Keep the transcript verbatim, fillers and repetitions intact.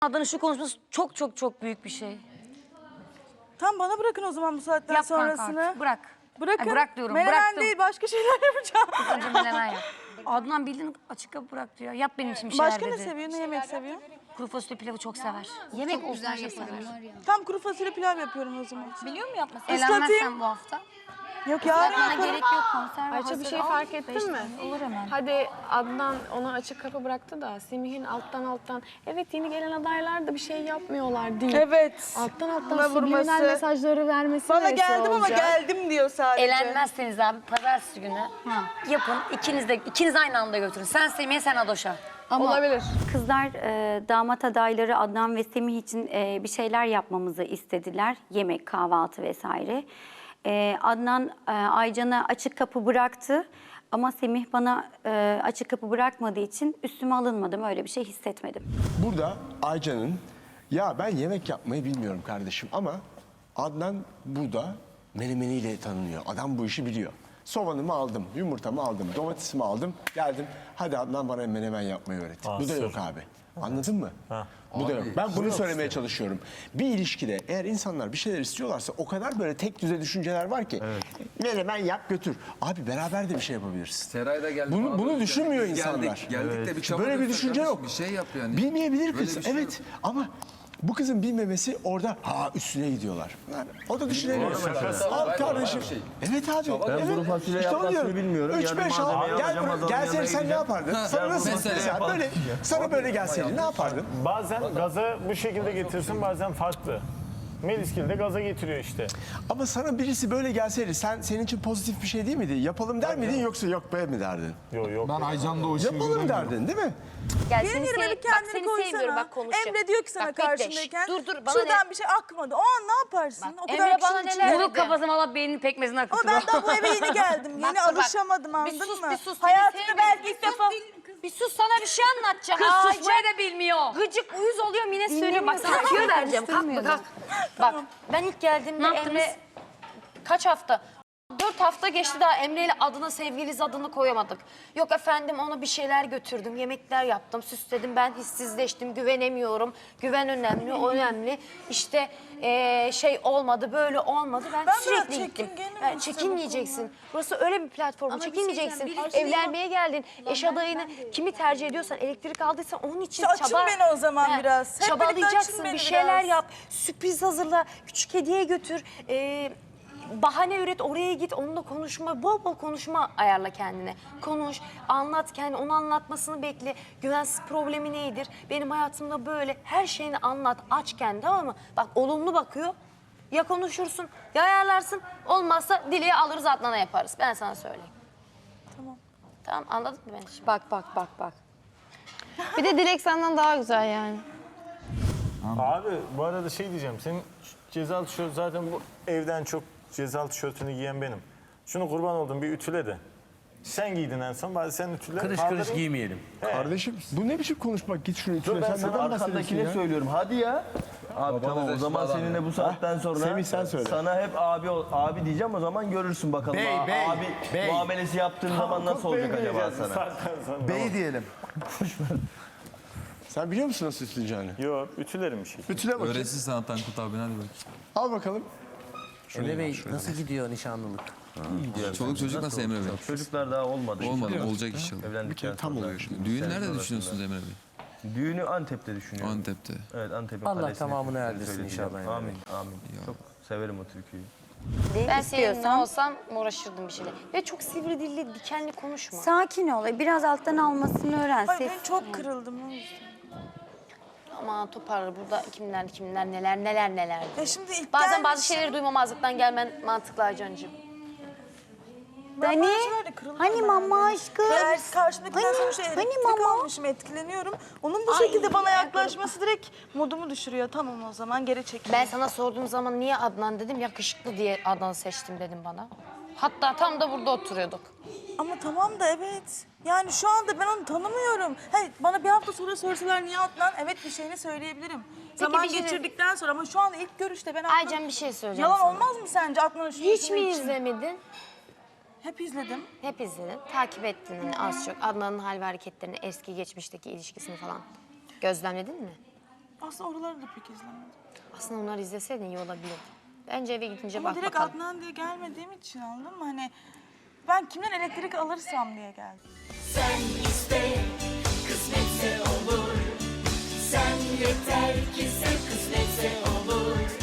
Adnan'ın şu konuşması çok çok çok büyük bir şey. Tam bana bırakın o zaman bu saatten Yap sonrasını. kanka, bırak. Bırakın. Ay, bırak diyorum, Menemen bıraktım. değil, başka şeyler yapacağım. Önce menemen yap. Adnan bildiğin açık kapı bıraktı ya. Yap benim için bir şeyler Başka dedi. ne seviyor, ne yemek seviyor? Kuru fasulye pilavı çok sever. Yemek olsun her şey sever. Tam kuru fasulye pilav yapıyorum o zaman. Biliyor mu yapmasın? Islatayım. Eğlenmezsen bu hafta. Yok yarın Bana yaparım. gerek yok, konserve Ayça hazır. bir şey Al, fark beş ettin mi? tane olur hemen. Hadi Adnan ona açık kapı bıraktı da Semih'in alttan alttan evet yeni gelen adaylar da bir şey yapmıyorlar değil. Evet. Alttan alttan Buna subliminal vurması. mesajları vermesi Bana neresi geldim ama olacak? geldim diyor sadece. Eğlenmezseniz abi pazartesi günü yapın. İkiniz de ikiniz aynı anda götürün. Sen Semih'e, sen Adoş'a. Olabilir. Kızlar e, damat adayları Adnan ve Semih için e, bir şeyler yapmamızı istediler. Yemek, kahvaltı vesaire. E, Adnan e, Aycan'a açık kapı bıraktı. Ama Semih bana e, açık kapı bırakmadığı için üstüme alınmadım. Öyle bir şey hissetmedim. Burada Aycan'ın ya ben yemek yapmayı bilmiyorum kardeşim ama Adnan burada menemeniyle tanınıyor. Adam bu işi biliyor. Soğanımı aldım, yumurtamı aldım, domatesimi aldım, geldim. Hadi Adnan bana menemen yapmayı öğret. Bu da yok abi. Anladın mı? Bu da yok. Ben bunu söylemeye çalışıyorum. Bir ilişkide eğer insanlar bir şeyler istiyorlarsa o kadar böyle tek düze düşünceler var ki. Menemen yap götür. Abi beraber de bir şey yapabilirsin. Seray da geldi. Bunu, bana bunu dedi, düşünmüyor geldik, insanlar. Geldik de bir çaba Böyle bir göster düşünce kardeşim, yok. Bir şey yap yani. Bilmeyebilir Böyle kız. bir şey Evet yok. ama bu kızın bilmemesi orada ha üstüne gidiyorlar. Yani o da düşünemiyor. Al kardeşim. şey. Evet abi. Ben evet. kuru fasulye İşte onu yapmasını diyorum. bilmiyorum. Üç, Yarın beş, al. malzemeyi Gel alacağım, buraya. adamın Gelsene yanına sen ne gideceğim. yapardın? Sana nasıl mesela mesela yapalım. böyle sana böyle gelseydi ne yapardın? Bazen gaza bu şekilde getirsin, bazen farklı. Meliskil de gaza getiriyor işte. Ama sana birisi böyle gelseydi sen senin için pozitif bir şey değil miydi? Yapalım der miydin yoksa yok be mi derdin? Yok yok. Ben Aycan'da o işi Yapalım derdin değil mi? Gel, Benim seni yerime sev- bir kendini seni koysana. sevmiyorum, bak konuşacağım. Emre diyor ki sana Bak, bekle. karşındayken Dur, dur, bana şuradan ne- bir şey akmadı. O an ne yaparsın? o kadar Emre bana kişinin neler içinde. Vuruk kafasına valla beyninin pekmezini Ama akıtır. ben daha bu eve yeni geldim. Bak, Yeni dur, bak. alışamadım Bir anladın sus, mı? bir sus. Hayatımda Seni belki sevmiyorum. ilk defa... Bir sus, sana bir şey anlatacağım. Kız Aa, susmayı da bilmiyor. Gıcık uyuz oluyorum yine söylüyorum. Bak sana Dinlemiyorum. tüyo vereceğim. Kalk kalk. Bak ben ilk geldiğimde Emre kaç hafta? Dört hafta geçti daha Emre ile adına sevgiliz adını koyamadık. Yok efendim ona bir şeyler götürdüm, yemekler yaptım, süsledim. Ben hissizleştim, güvenemiyorum. Güven önemli, o önemli. İşte eee, şey olmadı, böyle olmadı. Ben, Ben sürekli biraz gittim. çekingenim Ben işte bu çekinmeyeceksin. Burası öyle bir platform. Çekinmeyeceksin. Evlenmeye geldin. Eş adayını kimi tercih ediyorsan, elektrik aldıysan onun için İşte açın çaba. beni o zaman He, biraz. Hep birlikte açın Çabalayacaksın, beni bir şeyler biraz. yap. Sürpriz hazırla, küçük hediye götür. Eee bahane üret, oraya git, onunla konuşma, bol bol konuşma ayarla kendine. Konuş, anlat kendini, onu anlatmasını bekle. Güvensiz problemi nedir? Benim hayatımda böyle her şeyini anlat, aç kendini, tamam mı? Bak olumlu bakıyor, ya konuşursun, ya ayarlarsın. Olmazsa Dile'ye alırız, Adnan'a yaparız. Ben sana söyleyeyim. Tamam. Tamam, anladın mı beni? Şimdi? Bak bak bak bak. Bir de Dilek senden daha güzel yani. Abi bu arada şey diyeceğim. Senin cezalı tişört zaten bu evden çok cezalı tişörtünü giyen benim. Şunu kurban oldum bir ütüle de. Sen giydin en son. Bari sen ütüle. Kırış kaldırın. kırış giymeyelim. Kardeşim bu ne biçim konuşmak? Git şunu Dur içine ben sen sana neden bahsediyorsun arkandakine ya? söylüyorum. Hadi ya. Abi tamam o zaman adam seninle ya. bu saatten sonra Semih sen söyle. sana hep abi ol- abi diyeceğim o zaman görürsün bakalım. Bey, A- bey, abi bey. muamelesi yaptığın zaman nasıl olacak acaba Diyeceksin sana? zaten sonra. Bey diyelim. Sen biliyor musun nasıl üstleneceğini? Yok ütülerim bir şey. Ütüle bakayım. Öğretsin sana Tankut abi hadi bak. Al bakalım. Emre Bey nasıl gidiyor nişanlılık? Çoluk çocuk nasıl Emre Bey? Çocuklar daha olmadı. Olmadı olacak inşallah. Evlendikten tam sonra. oluyor şimdi. Düğün Sene nerede sonrasında. düşünüyorsunuz Emre Bey? Düğünü Antep'te düşünüyorum. Antep'te. Evet Antep'in Allah kalesine tamamını gittiğini erdirsin söyleyeceğim. inşallah. Amin amin. Çok severim o türküyü. Ben senin yerinde olsam uğraşırdım bir şeyle. Ve çok sivri dilli, dikenli konuşma. Sakin ol. Biraz alttan almasını öğren. Hayır Ses- ben çok kırıldım o yüzden. Ama toparlar burada kimler kimler neler neler neler. Ya şimdi ilk Bazen bazı gelmişim. şeyleri duymamazlıktan gelmen mantıklı Aycan'cığım. Ben Dani, bazı şeylerde kırıldım hani yani. mama aşkım? Ben karşımdakinden Hani- sonuçta hani elektrik mama? almışım, etkileniyorum. Onun bu şekilde bana yaklaşması direkt modumu düşürüyor. Tamam o zaman geri çekil. Ben sana sorduğum zaman niye Adnan dedim, yakışıklı diye Adnan'ı seçtim dedim bana. Hatta tam da burada oturuyorduk. Ama tamam da evet. Yani şu anda ben onu tanımıyorum. Hayır, bana bir hafta sonra sorsalar niye Adnan? Evet bir şeyini söyleyebilirim. Zaman bir şey- geçirdikten sonra ama şu anda ilk görüşte ben Adnan... Aycan bir şey söyleyeceğim Yalan sana. olmaz mı sence Adnan'ın şu Hiç yüzünü mi için? izlemedin? Hep izledim. Hep izledin. Takip ettin hani az çok. Adnan'ın hal ve hareketlerini, eski geçmişteki ilişkisini falan gözlemledin mi? Aslında oraları da pek izlemedim. Aslında onları izleseydin iyi olabilirdi. Bence eve gidince Ama bak direkt bakalım. Adnan diye gelmediğim için, anladın mı? Hani ben kimden elektrik alırsam diye geldim. Sen iste, kısmetse olur. Sen yeter ki sen, kısmetse olur.